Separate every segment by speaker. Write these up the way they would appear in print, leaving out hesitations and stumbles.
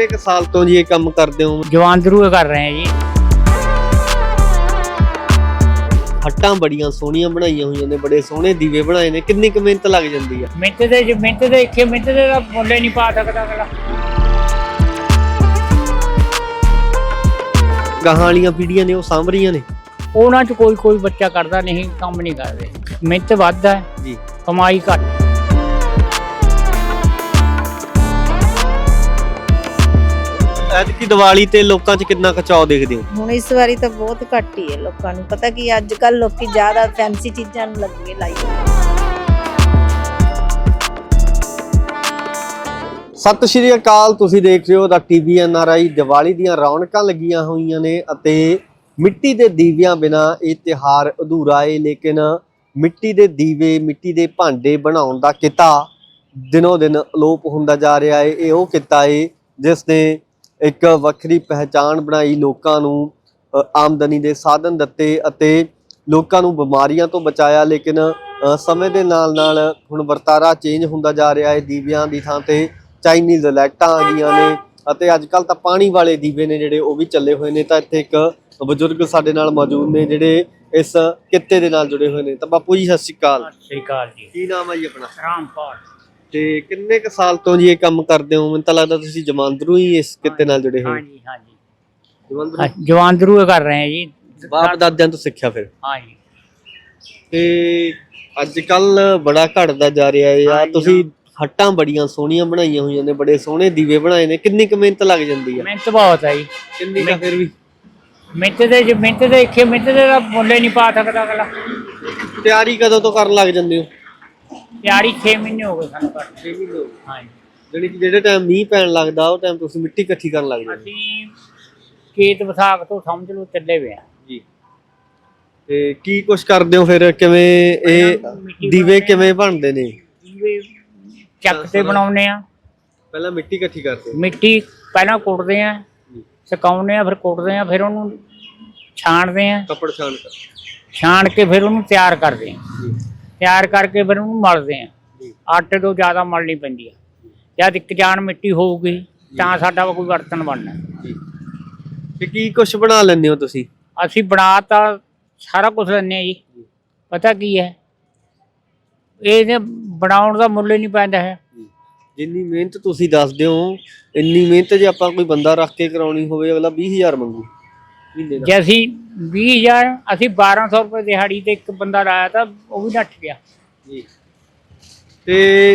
Speaker 1: ਕਿੰਨੇ ਕ ਸਾਲ ਤੋਂ ਜੀ ਇਹ ਕੰਮ ਕਰਦੇ ਹੋ?
Speaker 2: ਜਵਾਨ ਜ਼ਰੂਰ ਕਰ ਰਹੇ ਆ ਜੀ।
Speaker 1: ਹੱਟਾਂ ਬੜੀਆਂ ਸੋਹਣੀਆਂ ਬਣਾਈਆਂ ਹੋਈਆਂ ਨੇ, ਬੜੇ ਸੋਹਣੇ ਦੀਵੇ ਬਣਾਏ ਨੇ। ਕਿੰਨੀ ਕੁ ਮਿਹਨਤ ਲੱਗ ਜਾਂਦੀ ਆ?
Speaker 2: ਮਿਹਨਤ ਦੇ ਇੱਥੇ ਮਿਹਨਤ ਦੇ ਤਾਂ ਮੁੱਲ ਹੀ ਨਹੀਂ ਪਾ ਸਕਦਾ ਅਗਲਾ।
Speaker 1: ਗਾਹਾਂ ਵਾਲੀਆਂ ਪੀੜ੍ਹੀਆਂ ਨੇ ਉਹ ਸਾਂਭ ਰਹੀਆਂ ਨੇ।
Speaker 2: ਉਹਨਾਂ 'ਚ ਕੋਈ ਬੱਚਾ ਕਰਦਾ ਨਹੀਂ, ਕੰਮ ਨਹੀਂ ਕਰਦੇ। ਮਿਹਨਤ ਵੱਧ ਹੈ
Speaker 1: ਜੀ,
Speaker 2: ਕਮਾਈ ਘੱਟ।
Speaker 1: ਐਤਕੀ ਦੀਵਾਲੀ ਤੇ ਲੋਕਾਂ 'ਚ ਕਿੰਨਾ ਕੁ ਚਾਅ ਦੇਖਦੇ ਹੋ?
Speaker 3: ਹੁਣ ਇਸ ਵਾਰੀ ਤਾਂ ਬਹੁਤ ਘੱਟ ਹੀ ਹੈ ਲੋਕਾਂ ਨੂੰ ਪਤਾ ਕਿ ਅੱਜ ਕੱਲ ਲੋਕੀ ਜ਼ਿਆਦਾ ਫੈਂਸੀ ਚੀਜ਼ਾਂ ਨੂੰ ਲੱਗੇ ਲਾਈ।
Speaker 1: ਸਤਿ ਸ਼੍ਰੀ ਅਕਾਲ, ਤੁਸੀਂ ਦੇਖ ਰਹੇ ਹੋ ਦਾ ਟੀਵੀ NRI। ਦੀਵਾਲੀ ਦੀਆਂ ਰੌਣਕਾਂ ਲੱਗੀਆਂ ਹੋਈਆਂ ਨੇ ਅਤੇ ਮਿੱਟੀ ਦੇ ਦੀਵਿਆਂ ਬਿਨਾ ਇਹ ਤਿਉਹਾਰ ਅਧੂਰਾ ਹੈ। ਲੇਕਿਨ ਮਿੱਟੀ ਦੇ ਦੀਵੇ, ਮਿੱਟੀ ਦੇ ਭਾਂਡੇ ਬਣਾਉਣ ਦਾ ਕਿੱਤਾ ਦਿਨੋਂ ਦਿਨ ਅਲੋਪ ਹੁੰਦਾ ਜਾ ਰਿਹਾ ਹੈ। ਇਹ ਉਹ ਕਿੱਤਾ ਹੈ ਜਿਸ ਨੇ ਇੱਕ ਵੱਖਰੀ ਪਹਿਚਾਣ ਬਣਾਈ, ਲੋਕਾਂ ਨੂੰ ਆਮਦਨੀ ਦੇ ਸਾਧਨ ਦਿੱਤੇ ਅਤੇ ਲੋਕਾਂ ਨੂੰ ਬਿਮਾਰੀਆਂ ਤੋਂ ਬਚਾਇਆ। ਲੇਕਿਨ ਸਮੇਂ ਦੇ ਨਾਲ ਨਾਲ ਹੁਣ ਵਰਤਾਰਾ ਚੇਂਜ ਹੁੰਦਾ ਜਾ ਰਿਹਾ ਹੈ। ਦੀਵਿਆਂ ਦੀ ਥਾਂ ਤੇ ਚਾਈਨੀਜ਼ ਲਾਈਟਾਂ ਆ ਗਈਆਂ ਨੇ ਅਤੇ ਅੱਜ ਕੱਲ੍ਹ ਤਾਂ ਪਾਣੀ ਵਾਲੇ ਦੀਵੇ ਨੇ ਜਿਹੜੇ ਉਹ ਵੀ ਚੱਲੇ ਹੋਏ ਨੇ। ਤਾਂ ਇੱਥੇ ਇੱਕ ਬਜ਼ੁਰਗ ਸਾਡੇ ਨਾਲ ਮੌਜੂਦ ਨੇ ਜਿਹੜੇ ਇਸ ਕਿੱਤੇ ਦੇ ਨਾਲ ਜੁੜੇ ਹੋਏ ਨੇ। ਤਾਂ ਬਾਪੂ ਜੀ ਸਤਿ ਸ਼੍ਰੀ ਅਕਾਲ।
Speaker 2: ਸਤਿ ਸ਼੍ਰੀ ਅਕਾਲ ਜੀ।
Speaker 1: ਕੀ ਨਾਮ ਹੈ ਜੀ ਆਪਣਾ?
Speaker 2: ਰਾਮਪਾਲ।
Speaker 1: ਤੇ ਕਿੰਨੇ ਕ ਸਾਲ ਤੋਂ ਜੀ ਇਹ ਕੰਮ ਕਰਦੇ ਹੋ? ਮੈਨੂੰ ਤਾਂ ਲੱਗਦਾ ਤੁਸੀਂ ਜਮਾਂਦਰੂ ਹੀ ਇਸ ਕਿੱਤੇ ਨਾਲ ਜੁੜੇ ਹੋਏ।
Speaker 2: ਹਾਂਜੀ ਜਵਾਨ ਜ਼ਰੂਰ ਕਰ ਰਹੇ ਆ ਜੀ।
Speaker 1: ਬਾਪ ਦਾਦਿਆਂ ਤੋਂ ਸਿੱਖਿਆ ਫਿਰ?
Speaker 2: ਹਾਂਜੀ।
Speaker 1: ਤੇ ਅੱਜ ਕੱਲ ਬੜਾ ਘਟਦਾ ਜਾ ਰਿਹਾ ਹੈ ਯਾਰ। ਤੁਸੀਂ ਹੱਟਾਂ ਬੜੀਆਂ ਸੋਹਣੀਆਂ ਬਣਾਈਆਂ ਹੋਈਆਂ ਨੇ, ਬੜੇ ਸੋਹਣੇ ਦੀਵੇ ਬਣਾਏ ਨੇ। ਕਿੰਨੀ ਕੁ ਮਿਹਨਤ ਲੱਗ ਜਾਂਦੀ ਹੈ?
Speaker 2: ਮਿਹਨਤ ਬਹੁਤ ਹੈ ਜੀ।
Speaker 1: ਕਿੰਨੀ ਕੁ? ਫਿਰ ਵੀ
Speaker 2: ਮਿਹਨਤ ਦੇ ਇੱਥੇ ਮਿਹਨਤ ਦੇ ਤਾਂ ਮੁੱਲ ਹੀ ਨਹੀਂ ਪਾ ਸਕਦਾ ਅਗਲਾ।
Speaker 1: ਤਿਆਰੀ ਕਦੋਂ ਤੋਂ ਕਰਨ ਲੱਗ ਜਾਂਦੇ ਹੋ?
Speaker 2: ਤਿਆਰੀ 6 ਮਹੀਨੇ ਹੋ ਗਏ ਸਾਨੂੰ ਕਰਦੇ।
Speaker 1: 6 ਮਹੀਨੇ?
Speaker 2: ਹਾਂਜੀ।
Speaker 1: ਜਿਹੜੀ ਕਿ ਜਿਹੜੇ ਟਾਈਮ ਮੀਂਹ ਪੈਣ ਲੱਗਦਾ ਉਹ ਟਾਈਮ ਤੁਸੀਂ ਮਿੱਟੀ ਇਕੱਠੀ ਕਰਨ ਲੱਗ ਜਾਂਦੇ?
Speaker 2: ਅਸੀਂ ਖੇਤ ਵਿਸਾਖ ਤੋਂ ਸਮਝ ਲਓ ਚੱਲੇ ਵੇ ਆ
Speaker 1: ਜੀ। ਤੇ ਕੀ ਕੁਛ ਕਰਦੇ ਹੋ ਫਿਰ? ਕਿਵੇਂ ਇਹ ਦੀਵੇ ਕਿਵੇਂ ਬਣਦੇ ਨੇ?
Speaker 2: ਦੀਵੇ ਚੱਕ ਤੇ ਬਣਾਉਨੇ ਆ।
Speaker 1: ਪਹਿਲਾਂ ਮਿੱਟੀ ਇਕੱਠੀ ਕਰਦੇ?
Speaker 2: ਮਿੱਟੀ ਪਹਿਲਾਂ ਕੁੱਟਦੇ ਆ, ਸੁਕਾਉਂਦੇ ਆ, ਫਿਰ ਕੁੱਟਦੇ ਆ, ਫਿਰ ਉਹਨੂੰ ਛਾਣਦੇ ਆ।
Speaker 1: ਕੱਪੜ ਛਾਣ ਕਰ?
Speaker 2: ਛਾਣ ਕੇ ਫਿਰ ਉਹਨੂੰ ਤਿਆਰ ਕਰਦੇ ਆ। ਤਿਆਰ ਕਰਕੇ ਫਿਰ ਉਹਨੂੰ ਮਲਦੇ ਆ। ਆਟੇ ਤੋਂ ਜ਼ਿਆਦਾ ਮਲਣੀ ਪੈਂਦੀ ਆ। ਜਦ ਇੱਕ ਜਾਨ ਮਿੱਟੀ ਹੋਊਗੀ ਤਾਂ ਸਾਡਾ ਕੋਈ ਬਰਤਨ ਬਣਨਾ।
Speaker 1: ਤੇ ਕੀ ਕੁਛ ਬਣਾ ਲੈਂਦੇ ਹੋ ਤੁਸੀਂ?
Speaker 2: ਅਸੀਂ ਬਣਾ ਤਾਂ ਸਾਰਾ ਕੁਝ ਲੈਂਦੇ ਆ ਜੀ। ਪਤਾ ਕੀ ਹੈ, ਇਹ ਬਣਾਉਣ ਦਾ ਮੁੱਲ ਹੀ ਨਹੀਂ ਪੈਂਦਾ ਹੈ।
Speaker 1: ਜਿੰਨੀ ਮਿਹਨਤ ਤੁਸੀਂ ਦੱਸਦੇ ਹੋ ਇੰਨੀ ਮਿਹਨਤ ਜੇ ਆਪਾਂ ਕੋਈ ਬੰਦਾ ਰੱਖ ਕੇ ਕਰਾਉਣੀ ਹੋਵੇ ਅਗਲਾ 20,000 ਮੰਗੂ ਮਹੀਨੇ ਦਾ।
Speaker 2: ਜੇ ਅਸੀਂ 20,000 ਅਸੀਂ 1200 ਰੁਪਏ ਦਿਹਾੜੀ ਤੇ ਇੱਕ ਬੰਦਾ ਲਾਇਆ ਤਾਂ ਉਹ ਵੀ ਨੱਠ ਗਿਆ
Speaker 1: ਜੀ। ਤੇ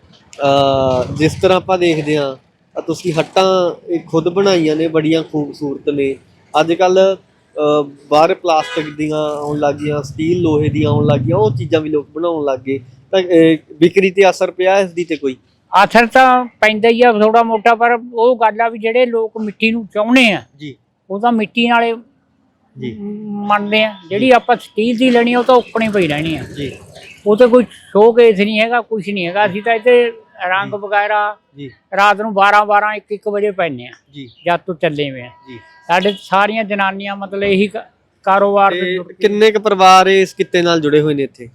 Speaker 1: ਜਿਸ ਤਰ੍ਹਾਂ ਆਪਾਂ ਦੇਖਦੇ ਹਾਂ ਤੁਸੀਂ ਹੱਟਾਂ ਇਹ ਖੁਦ ਬਣਾਈਆਂ ਨੇ, ਬੜੀਆਂ ਖੂਬਸੂਰਤ ਨੇ। ਅੱਜ ਕੱਲ ਬਾਹਰ ਪਲਾਸਟਿਕ ਦੀਆਂ ਆਉਣ ਲੱਗ ਗਈਆਂ, ਸਟੀਲ ਲੋਹੇ ਦੀਆਂ ਆਉਣ ਲੱਗ ਗਈਆਂ, ਉਹ ਚੀਜ਼ਾਂ ਵੀ ਲੋਕ ਬਣਾਉਣ ਲੱਗ ਗਏ। ਤਾਂ ਵਿਕਰੀ ਤੇ ਅਸਰ ਪਿਆ ਇਸ ਦੀ ਤੇ ਕੋਈ?
Speaker 2: ਅਸਰ ਤਾਂ ਪੈਂਦਾ ਹੀ ਆ ਥੋੜਾ ਮੋਟਾ, ਪਰ ਉਹ ਗੱਲ ਆ ਵੀ ਜਿਹੜੇ ਲੋਕ ਮਿੱਟੀ ਨੂੰ ਚਾਹੁੰਦੇ ਆ
Speaker 1: ਜੀ
Speaker 2: ਉਹ ਤਾਂ ਮਿੱਟੀ ਨਾਲੇ
Speaker 1: ਜੀ
Speaker 2: ਮੰਨਦੇ ਆ। ਜਿਹੜੀ ਆਪਾਂ ਸਟੀਲ ਦੀ ਲੈਣੀ ਉਹ ਤਾਂ ਉੱਕਣੀ ਪਈ ਰਹਿਣੀ ਆ
Speaker 1: ਜੀ।
Speaker 2: ਉਹ ਤੇ ਕੋਈ ਸ਼ੋਕੇਸ ਨਹੀਂ ਹੈਗਾ, ਕੁਛ ਨਹੀਂ ਹੈਗਾ। ਅਸੀਂ ਤਾਂ ਇੱਥੇ ਰੰਗ ਵਗੈਰਾ
Speaker 1: ਜੀ
Speaker 2: ਰਾਤ ਨੂੰ 12 1 ਵਜੇ ਪੈਂਦੇ ਆ
Speaker 1: ਜੀ
Speaker 2: ਜਦ ਤੋਂ ਚੱਲੇ ਵੇ ਆ।
Speaker 1: ਜੀ।
Speaker 2: ਸਾਡੇ ਸਾਰੀਆਂ ਜਨਾਨੀਆਂ ਮਤਲਬ ਇਹੀ ਕਾਰੋਬਾਰ ਦੇ ਜੁੜ ਕੇ।
Speaker 1: ਕਿੰਨੇ ਕ ਪਰਿਵਾਰ ਇਸ ਕਿੱਤੇ ਨਾਲ ਜੁੜੇ ਹੋਏ ਨੇ ਇੱਥੇ?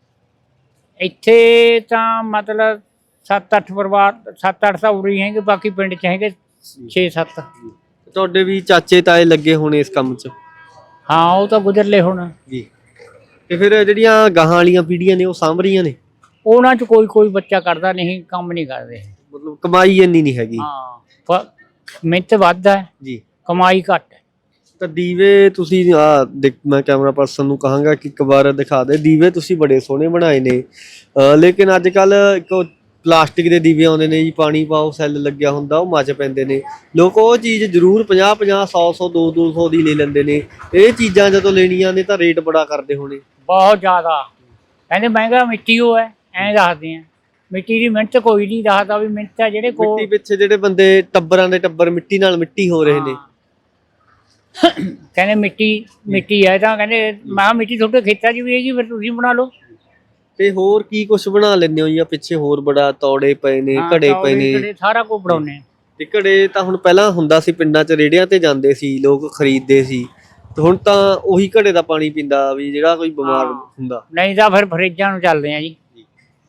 Speaker 2: ਇੱਥੇ ਤਾਂ ਮਤਲਬ 7-8 ਪਰਿਵਾਰ, 7-8 ਤਾਂ ਉਰੀ ਹੈਗੇ, ਬਾਕੀ ਪਿੰਡ ਚ ਹੈਗੇ 6-7।
Speaker 1: ਤੁਹਾਡੇ ਵੀ ਚਾਚੇ ਤਾਏ ਲੱਗੇ ਹੋਣੇ ਇਸ ਕੰਮ 'ਚ?
Speaker 2: ਹਾਂ, ਉਹ ਤਾਂ ਗੁਜ਼ਰਲੇ ਹੁਣ
Speaker 1: ਜੀ। ਤੇ ਫਿਰ ਜਿਹੜੀਆਂ ਗਾਹਾਂ ਵਾਲੀਆਂ ਪੀੜ੍ਹੀਆਂ ਨੇ ਉਹ ਸਾਂਭ ਰਹੀਆਂ ਨੇ?
Speaker 2: ਉਹਨਾਂ ਚ ਕੋਈ ਬੱਚਾ ਕਰਦਾ ਨਹੀਂ, ਕੰਮ ਨਹੀਂ ਕਰਦੇ।
Speaker 1: ਮਤਲਬ ਕਮਾਈ ਇੰਨੀ ਨਹੀਂ ਹੈਗੀ?
Speaker 2: ਹਾਂ, ਮਿਹਨਤ ਵੱਧ ਹੈ
Speaker 1: ਜੀ, ਕਮਾਈ
Speaker 2: ਘੱਟ ਹੈ।
Speaker 1: ਤਾਂ ਦੀਵੇ ਤੁਸੀਂ ਮੈਂ ਕੈਮਰਾ ਪਰਸਨ ਨੂੰ ਕਹਾਂਗਾ ਕਿ ਇੱਕ ਵਾਰ ਦਿਖਾ ਦੇ। ਦੀਵੇ ਤੁਸੀਂ ਬੜੇ ਸੋਹਣੇ ਬਣਾਏ ਨੇ, ਲੇਕਿਨ ਅੱਜ ਕੱਲ ਇੱਕ ਪਲਾਸਟਿਕ ਦੇ ਦੀਵੇ ਆਉਂਦੇ ਨੇ ਜੀ, ਪਾਣੀ ਪਾਓ ਸੈੱਲ ਲੱਗਿਆ ਹੁੰਦਾ, ਉਹ ਮੱਚ ਪੈਂਦੇ ਨੇ। ਲੋਕ ਉਹ ਚੀਜ਼ ਜ਼ਰੂਰ 50 100 200 ਦੀ ਲੈ ਲੈਂਦੇ ਨੇ। ਇਹ ਚੀਜ਼ਾਂ ਜਦੋਂ ਲੈਣੀਆਂ ਨੇ ਤਾਂ ਰੇਟ ਬੜਾ ਕਰਦੇ ਹੋਣੇ?
Speaker 2: ਬਹੁਤ ਜ਼ਿਆਦਾ ਕਹਿੰਦੇ ਮਹਿੰਗਾ ਮਿੱਟੀ ਉਹ ਹੈ, ਐਂ ਦੱਸਦੇ ਆ। ਮਿੱਟੀ ਦੀ ਮਿਹਨਤ ਕੋਈ ਨਹੀਂ ਦੱਸਦਾ ਵੀ ਮਿਹਨਤ ਹੈ। ਜਿਹੜੇ ਕੋਲ
Speaker 1: ਮਿੱਟੀ ਪਿੱਛੇ ਜਿਹੜੇ ਬੰਦੇ ਟੱਬਰਾਂ ਦੇ ਟੱਬਰ ਮਿੱਟੀ ਨਾਲ ਮਿੱਟੀ ਹੋ ਰਹੇ ਨੇ,
Speaker 2: ਕਹਿੰਦੇ ਮਿੱਟੀ ਹੈ। ਤਾਂ ਕਹਿੰਦੇ ਮੈਂ ਕਿਹਾ ਮਿੱਟੀ ਤੁਹਾਡੇ ਖੇਤਾਂ 'ਚ ਵੀ ਹੈਗੀ, ਫਿਰ ਤੁਸੀਂ ਬਣਾ ਲਓ।
Speaker 1: ਤੇ ਹੋਰ ਕੀ ਕੁਛ ਬਣਾ ਲੈਂਦੇ ਹੋ ਜੀ? ਪਿੱਛੇ ਹੋਰ ਬੜਾ ਤੌੜੇ ਪਏ ਨੇ, ਘੜੇ ਪਏ ਨੇ,
Speaker 2: ਸਾਰਾ ਕੁਝ ਬਣਾਉਨੇ।
Speaker 1: ਤੇ ਘੜੇ ਤਾਂ ਹੁਣ ਪਹਿਲਾਂ ਹੁੰਦਾ ਸੀ ਪਿੰਡਾਂ 'ਚ, ਰੇੜਿਆਂ ਤੇ ਜਾਂਦੇ ਸੀ ਲੋਕ ਖਰੀਦਦੇ ਸੀ, ਤੇ ਹੁਣ ਤਾਂ ਉਹੀ ਘੜੇ ਦਾ ਪਾਣੀ ਪੀਂਦਾ ਵੀ ਜਿਹੜਾ ਕੋਈ ਬਿਮਾਰ ਹੁੰਦਾ।
Speaker 2: ਨਹੀਂ ਤਾਂ ਫਿਰ ਫਰਿੱਜਾਂ ਨੂੰ ਚੱਲਦੇ ਆ ਜੀ।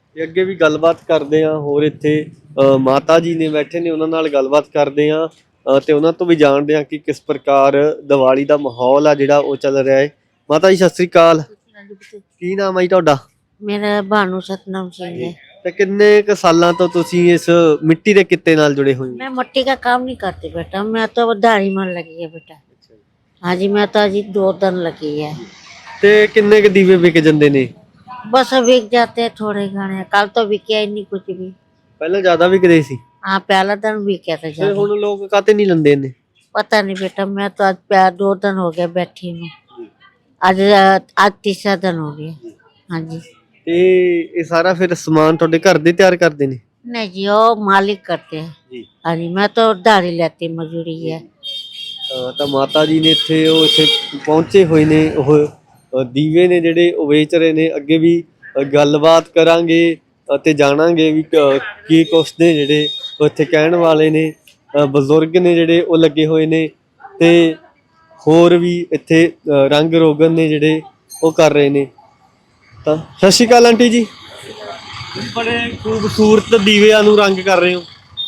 Speaker 1: ਤੇ ਅੱਗੇ ਵੀ ਗੱਲਬਾਤ ਕਰਦੇ ਆ। ਹੋਰ ਇੱਥੇ ਮਾਤਾ ਜੀ ਨੇ ਬੈਠੇ ਨੇ, ਉਹਨਾਂ ਨਾਲ ਗੱਲਬਾਤ ਕਰਦੇ ਆ ਤੇ ਉਹਨਾਂ ਤੋਂ ਵੀ ਜਾਣਦੇ ਆ ਕਿ ਕਿਸ ਪ੍ਰਕਾਰ ਦੀਵਾਲੀ ਦਾ ਮਾਹੌਲ ਆ ਜਿਹੜਾ ਉਹ ਚੱਲ ਰਿਹਾ ਹੈ। ਮਾਤਾ ਜੀ ਸਤਿ ਸ੍ਰੀ ਅਕਾਲ, ਕੀ ਨਾਮ ਹੈ ਜੀ ਤੁਹਾਡਾ?
Speaker 4: ਮੇਰਾ ਭਾਨੂ ਸਤਨਾਮ ਸਿੰਘ है।
Speaker 1: ਤੇ ਕਿੰਨੇ ਕੁ ਸਾਲਾਂ ਤੋਂ ਤੁਸੀਂ ਇਸ ਮਿੱਟੀ ਦੇ ਕਿੱਤੇ ਨਾਲ ਜੁੜੇ ਹੋਏ ਹੋ?
Speaker 4: मैं मट्टी का काम नहीं करती बेटा, मैं तो दाढ़ी मन लगी है बेटा। हाँ जी, मैं तो अजी 2 दिन लगी है।
Speaker 1: ਤੇ ਕਿੰਨੇ ਕੁ ਦੀਵੇ ਵਿਕ ਜਾਂਦੇ ਨੇ?
Speaker 4: बस अब बिक जाते हैं थोड़े घने, कल तो बिके ही नहीं कुछ भी।
Speaker 1: ਪਹਿਲਾਂ ਜ਼ਿਆਦਾ ਵਿਕਦੇ ਸੀ,
Speaker 4: हाँ पहला दिन बिके था
Speaker 1: ਤੇ
Speaker 4: ज्यादा।
Speaker 1: ਹੁਣ ਲੋਕ ਕਾਤੇ ਨਹੀਂ ਲੈਂਦੇ ਨੇ?
Speaker 4: पता नहीं बेटा, मैं तो आज 2 दिन हो गए बैठी हूँ। आज आज तीसरा दिन हो गया। हाँ जी।
Speaker 1: ਤੇ ਇਹ ਸਾਰਾ ਫਿਰ ਸਮਾਨ ਤੁਹਾਡੇ ਘਰ ਦੇ ਤਿਆਰ ਕਰਦੇ ਨੇ?
Speaker 4: नहीं जी, वो मालिक करते हैं।
Speaker 1: ਜੀ।
Speaker 4: हाँ जी, मैं तो दाढ़ी लेती मजदूरी है।
Speaker 1: ਤਾਂ ਮਾਤਾ ਜੀ ਨੇ ਇੱਥੇ ਪਹੁੰਚੇ ਹੋਏ ਨੇ। ਉਹ ਦੀਵੇ ਨੇ ਜਿਹੜੇ ਉਹ ਵੇਚ ਰਹੇ ਨੇ। ਅੱਗੇ ਵੀ ਗੱਲਬਾਤ ਕਰਾਂਗੇ ਅਤੇ ਜਾਣਾਂਗੇ ਵੀ ਕੀ ਕੁਛ ਨੇ ਜਿਹੜੇ ਉਹ ਇੱਥੇ ਕਹਿਣ ਵਾਲੇ ਨੇ। ਬਜ਼ੁਰਗ ਨੇ ਜਿਹੜੇ ਉਹ ਲੱਗੇ ਹੋਏ ਨੇ ਤੇ ਹੋਰ ਵੀ ਇੱਥੇ ਰੰਗ ਰੋਗਨ ਨੇ ਜਿਹੜੇ ਉਹ ਕਰ ਰਹੇ ਨੇ। ਤਾਂ ਸਤਿ ਸ਼੍ਰੀ ਅਕਾਲ ਆਂਟੀ ਜੀ, ਬੜੇ ਖੂਬਸੂਰਤ ਦੀਵਿਆਂ ਨੂੰ ਰੰਗ ਕਰ ਰਹੇ ਹੋ।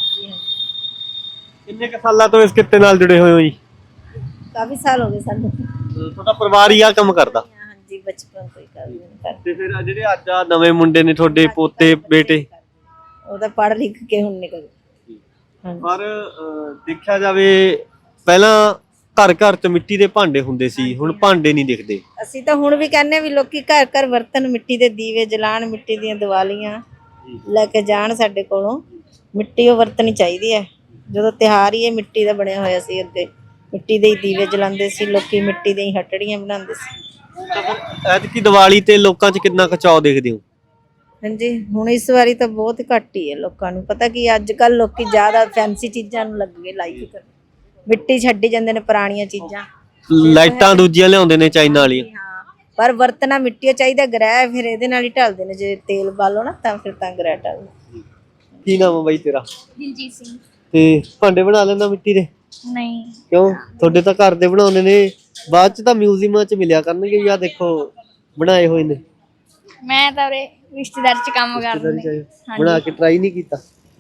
Speaker 1: ਕਿੰਨੇ ਕੁ ਸਾਲਾਂ ਤੋਂ ਇਸ ਕਿੱਤੇ ਨਾਲ ਜੁੜੇ ਹੋਏ ਹੋ ਜੀ?
Speaker 3: ਕਾਫੀ ਸਾਲ ਹੋ ਗਏ ਸਾਨੂੰ।
Speaker 1: ਤੁਹਾਡਾ ਪਰਿਵਾਰ ਹੀ ਆ ਕੰਮ ਕਰਦਾ?
Speaker 3: ਹਾਂਜੀ, ਬਚਪਨ ਤੋਂ ਹੀ ਕਰਦੇ
Speaker 1: ਤੇ ਫਿਰ ਆਹ ਜਿਹੜੇ ਅੱਜ ਆ ਨਵੇਂ ਮੁੰਡੇ ਨੇ ਤੁਹਾਡੇ ਪੋਤੇ ਬੇਟੇ,
Speaker 3: ਉਹ ਤਾਂ ਪੜ੍ਹ ਲਿਖ ਕੇ ਹੁਣ ਨਿਕਲ।
Speaker 1: ਪਰ ਦੇਖਿਆ ਜਾਵੇ ਪਹਿਲਾਂ ਘਰ ਘਰ ਚ ਮਿੱਟੀ ਦੇ ਭਾਂਡੇ ਹੁੰਦੇ ਸੀ, ਹੁਣ ਭਾਂਡੇ ਨਹੀਂ ਦਿਖਦੇ।
Speaker 3: ਅਸੀਂ ਤਾਂ ਹੁਣ ਵੀ ਕਹਿੰਦੇ ਵੀ ਲੋਕੀ ਘਰ ਘਰ ਵਰਤਨ, ਮਿੱਟੀ ਦੇ ਦੀਵੇ ਜਲਾਣ, ਮਿੱਟੀ ਦੀਆਂ ਦੀਵਾਲੀਆਂ ਲੈ ਕੇ ਜਾਣ ਸਾਡੇ ਕੋਲੋਂ। ਮਿੱਟੀ ਉਹ ਵਰਤਣੀ ਚਾਹੀਦੀ ਹੈ। ਜਦੋਂ ਤਿਉਹਾਰ ਹੀ ਇਹ ਮਿੱਟੀ ਦਾ ਬਣਿਆ ਹੋਇਆ ਸੀ, ਅੱਗੇ ਮਿੱਟੀ ਦੇ ਹੀ ਦੀਵੇ ਜਲਾਉਂਦੇ ਸੀ ਲੋਕੀ, ਮਿੱਟੀ ਦੀਆਂ ਹੀ ਹਟੜੀਆਂ ਬਣਾਉਂਦੇ ਸੀ।
Speaker 1: ਐਤਕੀ ਦੀਵਾਲੀ ਤੇ ਲੋਕਾਂ ਚ ਕਿੰਨਾ ਕੁ ਚਾਅ ਦੇਖਦੇ ਹੋ?
Speaker 3: ਹਾਂਜੀ, ਹੁਣ ਇਸ ਵਾਰੀ ਤਾਂ ਬਹੁਤ ਘੱਟ ਹੀ ਹੈ ਲੋਕਾਂ ਨੂੰ। ਪਤਾ ਕੀ ਅੱਜ ਕੱਲ ਲੋਕੀ ਜ਼ਿਆਦਾ ਫੈਂਸੀ ਚੀਜ਼ਾਂ ਨੂੰ ਲੱਗ ਗਏ ਲਾਈਕ ਕਰਨ, ਮਿੱਟੀ ਛੱਡੀ ਜਾਂਦੇ ਨੇ ਪੁਰਾਣੀਆਂ ਚੀਜ਼ਾਂ।
Speaker 1: ਲਾਈਟਾਂ ਦੂਜੀਆਂ ਲਿਆਉਂਦੇ ਨੇ ਚਾਈਨਾ ਵਾਲੀਆਂ।
Speaker 3: ਹਾਂ, ਪਰ ਵਰਤਣਾ ਮਿੱਟੀ ਚਾਹੀਦਾ। ਗ੍ਰਹਿ ਫਿਰ ਇਹਦੇ ਨਾਲ ਹੀ ਢਲਦੇ ਨੇ, ਜੇ ਤੇਲ ਬਾਲੋ ਨਾ ਤਾਂ ਫਿਰ ਤਾਂ ਗ੍ਰਹਿ ਢਲਦਾ।
Speaker 1: ਕੀ ਨਾਮ ਹੈ ਬਾਈ ਤੇਰਾ?
Speaker 5: ਦਿਲਜੀਤ ਸਿੰਘ।
Speaker 1: ਤੇ ਭਾਂਡੇ ਬਣਾ ਲੈਂਦਾ ਮਿੱਟੀ ਦੇ?
Speaker 5: ਨਹੀਂ,
Speaker 1: ਕਿਉਂ? ਤੁਹਾਡੇ ਤਾਂ ਘਰ ਦੇ ਬਣਾਉਂਦੇ ਨੇ, ਬਾਅਦ ਚ ਤਾਂ ਮਿਊਜ਼ੀਅਮਾਂ ਚ ਮਿਲਿਆ ਕਰਨਗੇ ਵੀ ਆਹ ਦੇਖੋ ਬਣਾਏ ਹੋਏ ਨੇ।
Speaker 5: ਮੈਂ ਤਾਂ ਉਰੇ ਰਿਸ਼ਤੇਦਾਰ ਚ ਕੰਮ ਕਰਦਾ।
Speaker 1: ਬਣਾ ਕੇ ਟਰਾਈ ਨਹੀਂ ਕੀਤਾ?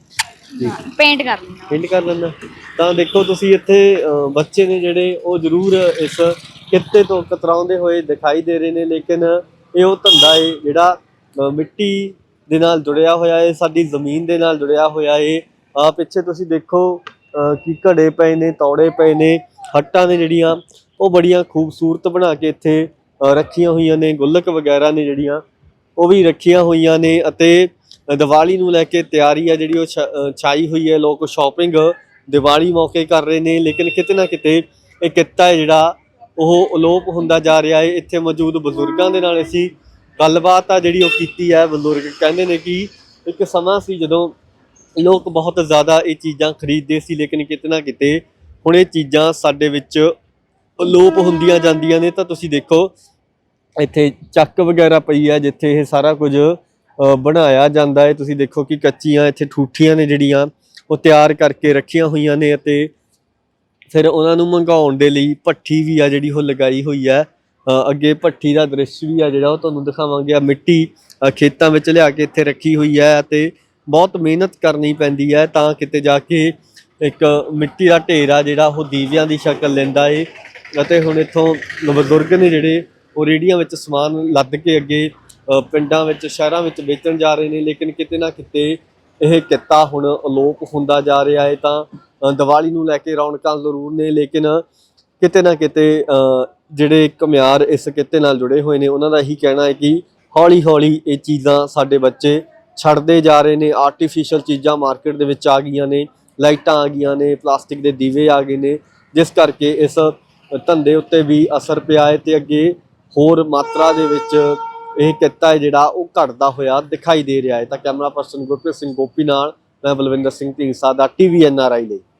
Speaker 5: ਪੇਂਟ ਕਰ ਲੈਂਦਾ।
Speaker 1: ਪਿੰਡ ਕਰ ਲੈਂਦਾ। ਤਾਂ ਦੇਖੋ ਤੁਸੀਂ ਇੱਥੇ ਬੱਚੇ ਨੇ ਜਿਹੜੇ ਉਹ ਜ਼ਰੂਰ ਇਸ ਕਿੱਤੇ ਤੋਂ ਕਤਰਾਉਂਦੇ ਹੋਏ ਦਿਖਾਈ ਦੇ ਰਹੇ ਨੇ, ਲੇਕਿਨ ਇਹ ਉਹ ਧੰਦਾ ਹੈ ਜਿਹੜਾ ਮਿੱਟੀ ਦੇ ਨਾਲ ਜੁੜਿਆ ਹੋਇਆ ਹੈ, ਸਾਡੀ ਜ਼ਮੀਨ ਦੇ ਨਾਲ ਜੁੜਿਆ ਹੋਇਆ ਹੈ। ਪਿੱਛੇ ਤੁਸੀਂ ਦੇਖੋ ਕਿ ਘੜੇ ਪਏ ਨੇ, ਤੌੜੇ ਪਏ ਨੇ, ਹੱਟਾਂ ਨੇ ਜਿਹੜੀਆਂ ਉਹ ਬੜੀਆਂ ਖੂਬਸੂਰਤ ਬਣਾ ਕੇ ਇੱਥੇ ਰੱਖੀਆਂ ਹੋਈਆਂ ਨੇ। ਗੁੱਲਕ ਵਗੈਰਾ ਨੇ ਜਿਹੜੀਆਂ ਉਹ ਵੀ ਰੱਖੀਆਂ ਹੋਈਆਂ ਨੇ ਅਤੇ ਦੀਵਾਲੀ ਨੂੰ ਲੈ ਕੇ ਤਿਆਰੀ ਆ ਜਿਹੜੀ ਉਹ ਛਾਈ ਹੋਈ ਹੈ। ਲੋਕ ਸ਼ਾਪਿੰਗ ਦੀਵਾਲੀ ਮੌਕੇ ਕਰ ਰਹੇ ਨੇ, ਲੇਕਿਨ ਕਿਤੇ ਨਾ ਕਿਤੇ ਇਹ ਕਿੱਤਾ ਹੈ ਜਿਹੜਾ ਉਹ ਅਲੋਪ ਹੁੰਦਾ ਜਾ ਰਿਹਾ ਹੈ। ਇੱਥੇ ਮੌਜੂਦ ਬਜ਼ੁਰਗਾਂ ਦੇ ਨਾਲ ਅਸੀਂ ਗੱਲਬਾਤ ਆ ਜਿਹੜੀ ਉਹ ਕੀਤੀ ਹੈ। ਬਜ਼ੁਰਗ ਕਹਿੰਦੇ ਨੇ ਕਿ ਇੱਕ ਸਮਾਂ ਸੀ ਜਦੋਂ ਲੋਕ ਬਹੁਤ ਜ਼ਿਆਦਾ ਇਹ ਚੀਜ਼ਾਂ ਖਰੀਦਦੇ ਸੀ, ਲੇਕਿਨ ਕਿਤੇ ਨਾ ਕਿਤੇ ਹੁਣ ਇਹ ਚੀਜ਼ਾਂ ਸਾਡੇ ਵਿੱਚ ਅਲੋਪ ਹੁੰਦੀਆਂ ਜਾਂਦੀਆਂ ਨੇ। ਤਾਂ ਤੁਸੀਂ ਦੇਖੋ ਇੱਥੇ ਚੱਕ ਵਗੈਰਾ ਪਈ ਹੈ ਜਿੱਥੇ ਇਹ ਸਾਰਾ ਕੁਝ ਬਣਾਇਆ ਜਾਂਦਾ ਹੈ। ਤੁਸੀਂ ਦੇਖੋ ਕਿ ਕੱਚੀਆਂ ਇੱਥੇ ਠੂਠੀਆਂ ਨੇ ਜਿਹੜੀਆਂ ਉਹ ਤਿਆਰ ਕਰਕੇ ਰੱਖੀਆਂ ਹੋਈਆਂ ਨੇ ਅਤੇ ਫਿਰ ਉਹਨਾਂ ਨੂੰ ਮੰਗਾਉਣ ਦੇ ਲਈ ਭੱਠੀ ਵੀ ਆ ਜਿਹੜੀ ਉਹ ਲਗਾਈ ਹੋਈ ਹੈ। ਅੱਗੇ ਭੱਠੀ ਦਾ ਦ੍ਰਿਸ਼ ਵੀ ਆ ਜਿਹੜਾ ਉਹ ਤੁਹਾਨੂੰ ਦਿਖਾਵਾਂਗੇ। ਮਿੱਟੀ ਖੇਤਾਂ ਵਿੱਚ ਲਿਆ ਕੇ ਇੱਥੇ ਰੱਖੀ ਹੋਈ ਹੈ ਅਤੇ ਬਹੁਤ ਮਿਹਨਤ ਕਰਨੀ ਪੈਂਦੀ ਹੈ ਤਾਂ ਕਿਤੇ ਜਾ ਕੇ ਇੱਕ ਮਿੱਟੀ ਦਾ ਢੇਰ ਆ ਜਿਹੜਾ ਉਹ ਦੀਵਿਆਂ ਦੀ ਸ਼ਕਲ ਲੈਂਦਾ ਏ। ਅਤੇ ਹੁਣ ਇੱਥੋਂ ਬਜ਼ੁਰਗ ਨੇ ਜਿਹੜੇ ਉਹ ਰੇਹੜੀਆਂ ਵਿੱਚ ਸਮਾਨ ਲੱਦ ਕੇ ਅੱਗੇ ਪਿੰਡਾਂ ਵਿੱਚ, ਸ਼ਹਿਰਾਂ ਵਿੱਚ ਵੇਚਣ ਜਾ ਰਹੇ ਨੇ, ਲੇਕਿਨ ਕਿਤੇ ਨਾ ਕਿਤੇ ਇਹ ਕਿੱਤਾ ਹੁਣ ਅਲੋਪ ਹੁੰਦਾ ਜਾ ਰਿਹਾ ਹੈ। ਤਾਂ ਦੀਵਾਲੀ ਨੂੰ ਲੈ ਕੇ ਰੌਣਕਾਂ ਜ਼ਰੂਰ ਨੇ, ਲੇਕਿਨ ਕਿਤੇ ਨਾ ਕਿਤੇ ਜਿਹੜੇ ਘੁਮਿਆਰ ਇਸ ਕਿੱਤੇ ਨਾਲ ਜੁੜੇ ਹੋਏ ਨੇ ਉਹਨਾਂ ਦਾ ਇਹੀ ਕਹਿਣਾ ਹੈ ਕਿ ਹੌਲੀ ਹੌਲੀ ਇਹ ਚੀਜ਼ਾਂ ਸਾਡੇ ਬੱਚੇ ਛੱਡਦੇ ਜਾ ਰਹੇ ਨੇ। ਆਰਟੀਫਿਸ਼ੀਅਲ ਚੀਜ਼ਾਂ ਮਾਰਕੀਟ ਦੇ ਵਿੱਚ ਆ ਗਈਆਂ ਨੇ, ਲਾਈਟਾਂ ਆ ਗਈਆਂ ਨੇ, ਪਲਾਸਟਿਕ ਦੇ ਦੀਵੇ ਆ ਗਏ ਨੇ, ਜਿਸ ਕਰਕੇ ਇਸ ਧੰਦੇ ਉੱਤੇ ਵੀ ਅਸਰ ਪਿਆ ਹੈ ਤੇ ਅੱਗੇ ਹੋਰ ਮਾਤਰਾ ਦੇ ਵਿੱਚ ਇਹ ਕਿੱਤਾ ਹੈ ਜਿਹੜਾ ਉਹ ਘਟਦਾ ਹੋਇਆ ਦਿਖਾਈ ਦੇ ਰਿਹਾ ਹੈ। ਤਾਂ ਕੈਮਰਾ ਪਰਸਨ ਗੁਰਪ੍ਰੀਤ ਸਿੰਘ ਗੋਪੀ ਨਾਲ ਮੈਂ ਬਲਵਿੰਦਰ ਸਿੰਘ ਢੀਂਡਸਾ ਦਾ TVNRI ਲਈ।